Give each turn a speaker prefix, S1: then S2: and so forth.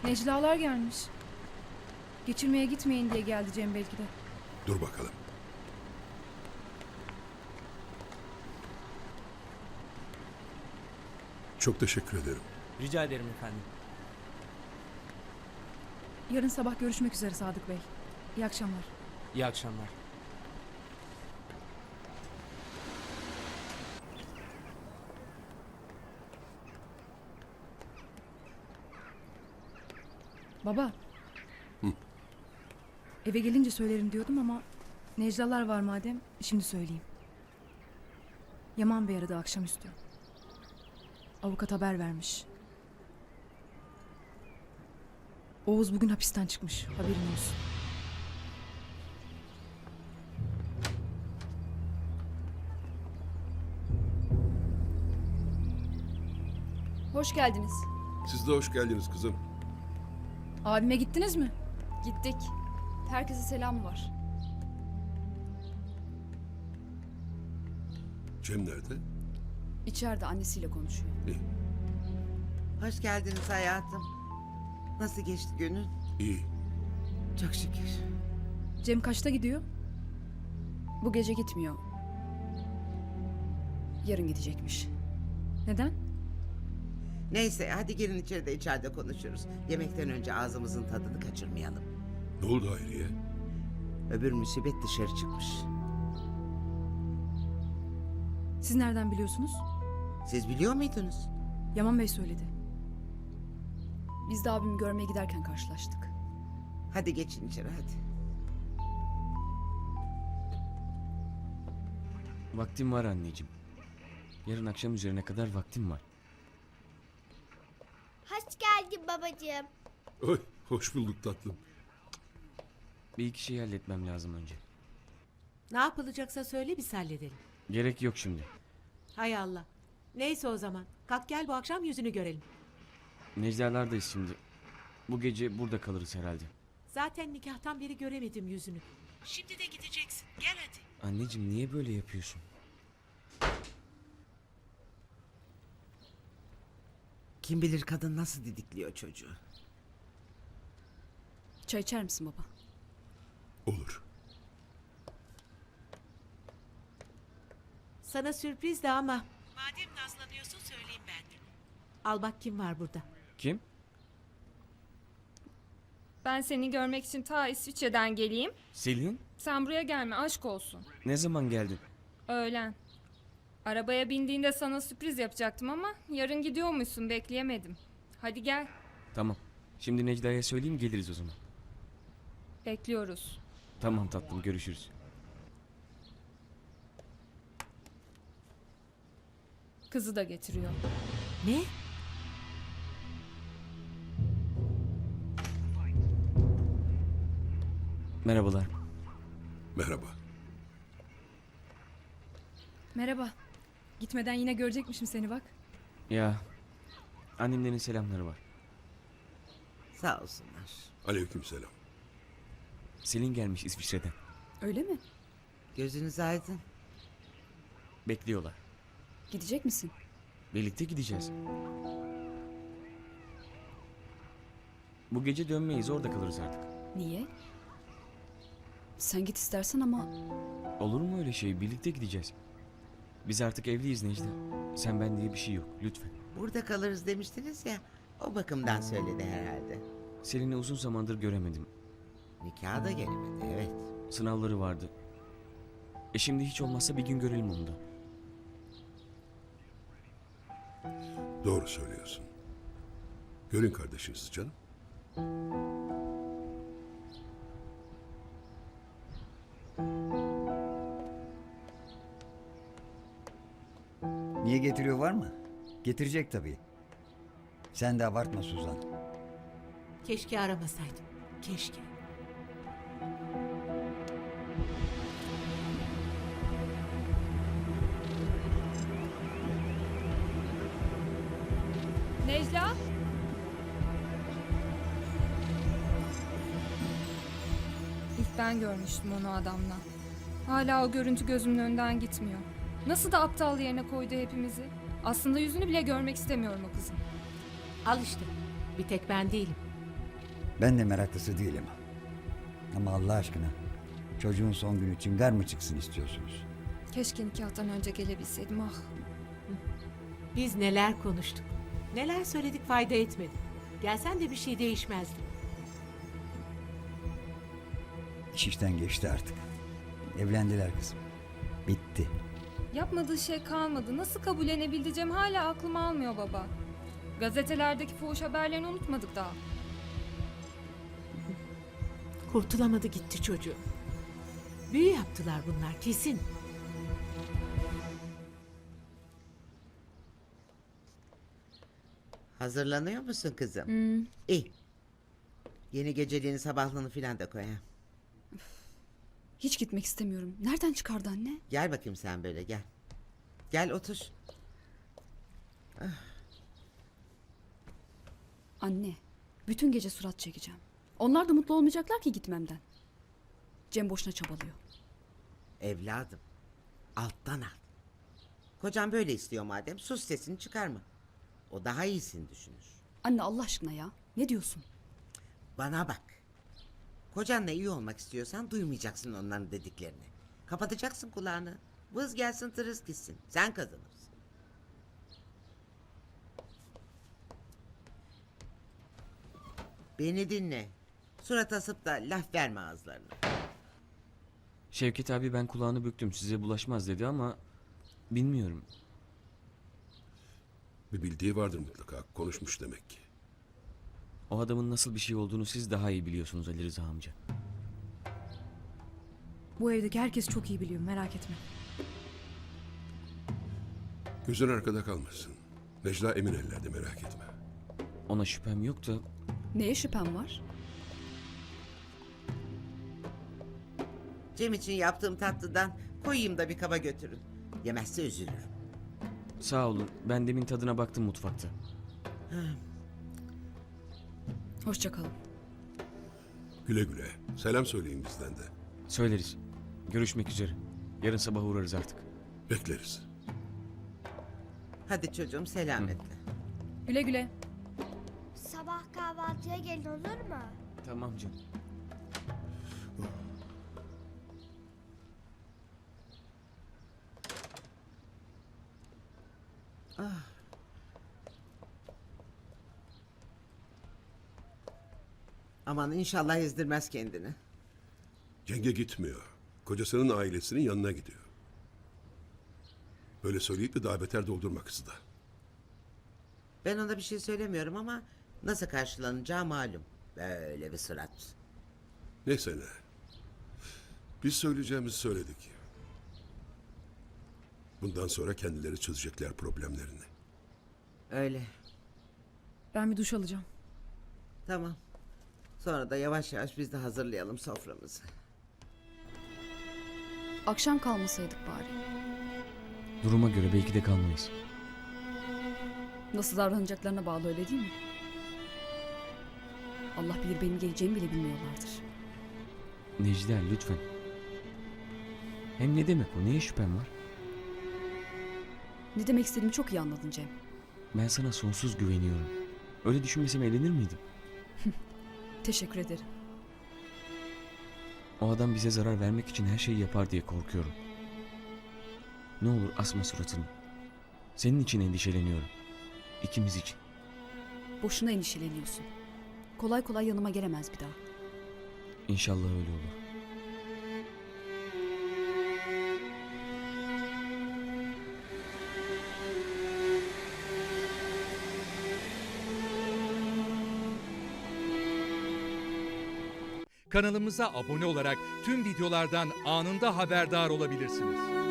S1: Neclalar gelmiş. Geçirmeye gitmeyin diye geldi Cem belki de.
S2: Dur bakalım. Çok teşekkür ederim.
S3: Rica ederim efendim.
S1: Yarın sabah görüşmek üzere Sadık Bey. İyi akşamlar.
S3: İyi akşamlar.
S1: Baba.
S2: Hı.
S1: Eve gelince söylerim diyordum ama Neclalar var madem şimdi söyleyeyim. Yaman Bey aradı akşamüstü. Avukat haber vermiş. Oğuz bugün hapisten çıkmış. Haberin olsun.
S4: Hoş geldiniz.
S2: Siz de hoş geldiniz kızım.
S1: Abime gittiniz mi?
S4: Gittik. Herkese selam var.
S2: Cem nerede?
S4: İçeride annesiyle konuşuyor.
S2: İyi.
S5: Hoş geldiniz hayatım. Nasıl geçti günün?
S2: İyi.
S5: Çok şükür.
S1: Cem kaçta gidiyor?
S4: Bu gece gitmiyor. Yarın gidecekmiş.
S1: Neden?
S5: Neyse hadi gelin içeride konuşuruz. Yemekten önce ağzımızın tadını kaçırmayalım.
S2: Ne oldu Hayriye?
S5: Öbür musibet dışarı çıkmış.
S1: Siz nereden biliyorsunuz?
S5: Siz biliyor muydunuz?
S1: Yaman Bey söyledi.
S4: Biz de abimi görmeye giderken karşılaştık.
S5: Hadi geçin içeri hadi.
S6: Vaktim var anneciğim. Yarın akşam üzerine kadar vaktim var.
S7: Hoş geldin babacığım.
S2: Oy, hoş bulduk tatlım.
S6: Bir iki şey halletmem lazım önce.
S8: Ne yapılacaksa söyle biz halledelim.
S6: Gerek yok şimdi.
S8: Hay Allah. Neyse o zaman. Kalk gel bu akşam yüzünü görelim.
S6: Necdalardayız şimdi. Bu gece burada kalırız herhalde.
S8: Zaten nikahtan beri göremedim yüzünü. Şimdi de gideceksin. Gel hadi.
S6: Anneciğim niye böyle yapıyorsun?
S5: Kim bilir kadın nasıl didikliyor çocuğu.
S4: Çay içer misin baba?
S2: Olur.
S8: Sana sürpriz de ama. Madem nazlanıyorsun söyleyeyim ben de. Al bak kim var burada.
S6: Kim?
S9: Ben seni görmek için ta İsviçre'den geleyim.
S6: Selin?
S9: Sen buraya gelme, aşk olsun.
S6: Ne zaman geldin?
S9: Öğlen. Arabaya bindiğinde sana sürpriz yapacaktım ama yarın gidiyormuşsun, bekleyemedim. Hadi gel,
S6: Tamam. Şimdi Necda'ya söyleyeyim geliriz o zaman.
S9: bekliyoruz.
S6: Tamam tatlım görüşürüz.
S9: Kızı da getiriyor.
S8: Ne?
S6: Merhabalar.
S2: Merhaba.
S1: Merhaba. Gitmeden yine görecekmişim seni bak.
S6: Ya annemlerin selamları var.
S5: Sağ olsunlar.
S2: Aleykümselam.
S6: Selin gelmiş İsviçre'den.
S4: Öyle mi?
S5: Gözünüz aydın.
S6: Bekliyorlar.
S4: Gidecek misin?
S6: Birlikte gideceğiz. Bu gece dönmeyiz orada kalırız artık.
S4: Niye? Sen git istersen ama
S6: Olur mu öyle şey? Birlikte gideceğiz. Biz artık evliyiz Necla. Sen ben diye bir şey yok lütfen.
S5: Burada kalırız demiştiniz ya. O bakımdan söyledi herhalde.
S6: Selin'i uzun zamandır göremedim.
S5: Nikaha da gelemedi evet.
S6: Sınavları vardı. Şimdi hiç olmazsa bir gün görelim onu da.
S2: Doğru söylüyorsun. Görün kardeşinizi canım.
S10: Niye getiriyor var mı? Getirecek tabii. Sen de abartma Suzan.
S8: Keşke aramasaydım. Keşke.
S9: Necla? İlk ben görmüştüm onu adamla. Hala o görüntü gözümün önünden gitmiyor. Nasıl da aptal yerine koydu hepimizi. Aslında yüzünü bile görmek istemiyorum o kızın.
S8: Al işte. Bir tek ben değilim.
S10: Ben de meraklısı değilim. Ama Allah aşkına çocuğun son günü çıngar mı çıksın istiyorsunuz?
S9: Keşke nikahtan önce gelebilseydim ah.
S8: Biz neler konuştuk. Neler söyledik fayda etmedi. Gelsen de bir şey değişmezdi.
S10: İş işten geçti artık. Evlendiler kızım. Bitti.
S9: Yapmadığı şey kalmadı. Nasıl kabullenebileceğim hala aklım almıyor baba. Gazetelerdeki fuhuş haberlerini unutmadık daha.
S8: Kurtulamadı gitti çocuğu. Büyü yaptılar bunlar kesin.
S5: Hazırlanıyor musun kızım? İyi. Yeni geceliğini sabahlığını filan da koy ha.
S4: Hiç gitmek istemiyorum. Nereden çıkardı anne?
S5: Gel bakayım sen böyle gel. Gel otur.
S4: Anne, bütün gece surat çekeceğim. Onlar da mutlu olmayacaklar ki gitmemden. Cem boşuna çabalıyor.
S5: Evladım. Alttan al. Kocan böyle istiyor madem sus sesini çıkarma. O daha iyisini düşünür.
S4: Anne Allah aşkına ya. Ne diyorsun?
S5: Bana bak. Kocanla iyi olmak istiyorsan duymayacaksın onların dediklerini. Kapatacaksın kulağını. Vız gelsin tırıs gitsin. Sen kazanırsın. Beni dinle. Surat asıp da laf verme ağızlarına.
S6: Şevket abi ben kulağını büktüm size bulaşmaz dedi ama bilmiyorum.
S2: Bir bildiği vardır mutlaka. Konuşmuş demek ki.
S6: O adamın nasıl bir şey olduğunu siz daha iyi biliyorsunuz Ali Rıza amca.
S1: Bu evdeki herkes çok iyi biliyor, merak etme.
S2: Gözün arkada kalmasın. Necla emin ellerde, merak etme.
S6: Ona şüphem yok da
S4: Neye şüphem var?
S5: Cem için yaptığım tatlıdan koyayım da bir kaba götürün. Yemezse üzülürüm.
S6: sağ olun ben demin tadına baktım mutfakta.
S4: Hoşça kalın.
S2: Güle güle. Selam söyleyin bizden de.
S6: Söyleriz. Görüşmek üzere. Yarın sabah uğrarız artık.
S2: Bekleriz.
S5: Hadi çocuğum selametle.
S1: Güle güle.
S7: Sabah kahvaltıya gelin olur mu?
S6: Tamam canım.
S5: Aman inşallah ezdirmez kendini.
S2: Cenge gitmiyor. Kocasının ailesinin yanına gidiyor. Böyle söyleyip de daha beter doldurma kızı da.
S5: Ben ona bir şey söylemiyorum ama nasıl karşılanacağı malum. Böyle bir surat.
S2: Neyse ne. Biz söyleyeceğimizi söyledik. Bundan sonra kendileri çözecekler problemlerini.
S5: Öyle.
S1: Ben bir duş alacağım.
S5: Tamam. Sonra da yavaş yavaş biz de hazırlayalım soframızı.
S4: Akşam kalmasaydık bari.
S6: Duruma göre belki de kalmayız.
S4: Nasıl davranacaklarına bağlı öyle değil mi? Allah bilir benim geleceğimi bile bilmiyorlardır.
S6: Necla lütfen. Hem ne demek o? Neye şüphem var?
S4: Ne demek istediğimi çok iyi anladın Cem.
S6: Ben sana sonsuz güveniyorum. Öyle düşünmesem evlenir miydim?
S4: Teşekkür ederim.
S6: O adam bize zarar vermek için her şeyi yapar diye korkuyorum. Ne olur asma suratını. Senin için endişeleniyorum. İkimiz için.
S4: Boşuna endişeleniyorsun. Kolay kolay yanıma gelemez bir daha.
S6: İnşallah öyle olur.
S11: Kanalımıza abone olarak tüm videolardan anında haberdar olabilirsiniz.